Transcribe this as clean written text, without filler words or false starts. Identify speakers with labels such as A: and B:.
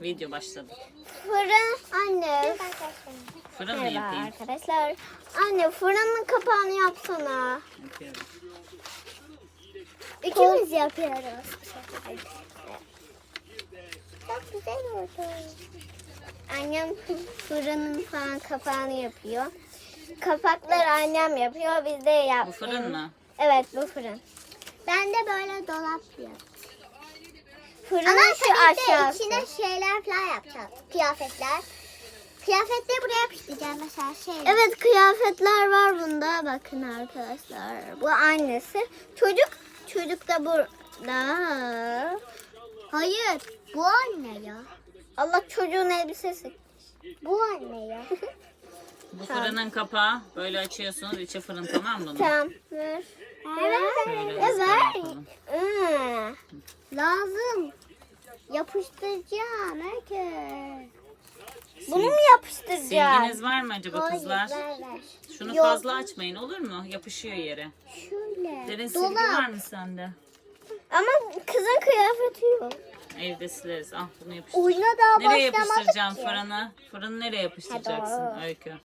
A: Video başladı.
B: Fırın anne.
A: Fırın mı
B: Merhaba
A: yapayım?
B: arkadaşlar. Anne fırının kapağını yapsana.
A: Yapıyorum.
B: İkimiz yapıyoruz. Çok güzel oldu. Annem fırının falan kapağını yapıyor. Kapakları annem yapıyor. Biz de yap.
A: Bu fırın mı?
B: Evet, bu fırın. Ben de böyle dolap yapıyorum. Fırının
C: Ama
B: şu
C: tabii ki
B: aşağısı.
C: içine şeyler falan yapacağız. Kıyafetler. Kıyafetleri buraya yapıştıracağım mesela şey.
B: Evet, kıyafetler var bunda. Bakın arkadaşlar. Bu annesi. Çocuk da burada.
C: Hayır. Bu anne ya.
B: Allah, çocuğun elbisesi.
C: Bu anne ya.
A: Bu fırının kapağı böyle açıyorsunuz. İçi fırın, tamam mı bunun?
B: Tamam. Ver.
A: Şöyle
B: Evet.
A: ızgara yapalım.
C: Lazım. Yapıştıracağım herkes.
B: Bunu mu yapıştıracağız?
A: Silginiz var mı acaba
C: Hayır,
A: kızlar?
C: ver.
A: Şunu
B: Yok.
A: fazla açmayın, olur mu? Yapışıyor yere.
C: Şöyle.
A: Derin silgi var mı sende?
B: Ama kızın kıyafeti yok.
A: Evde sileriz. Ah, bunu yapıştır.
C: Oyuna daha
A: Nereye
C: başlamadık
A: yapıştıracağım
C: ki.
A: fırını? Fırını nereye yapıştıracaksın
B: Ha, doğru.
A: Öykü?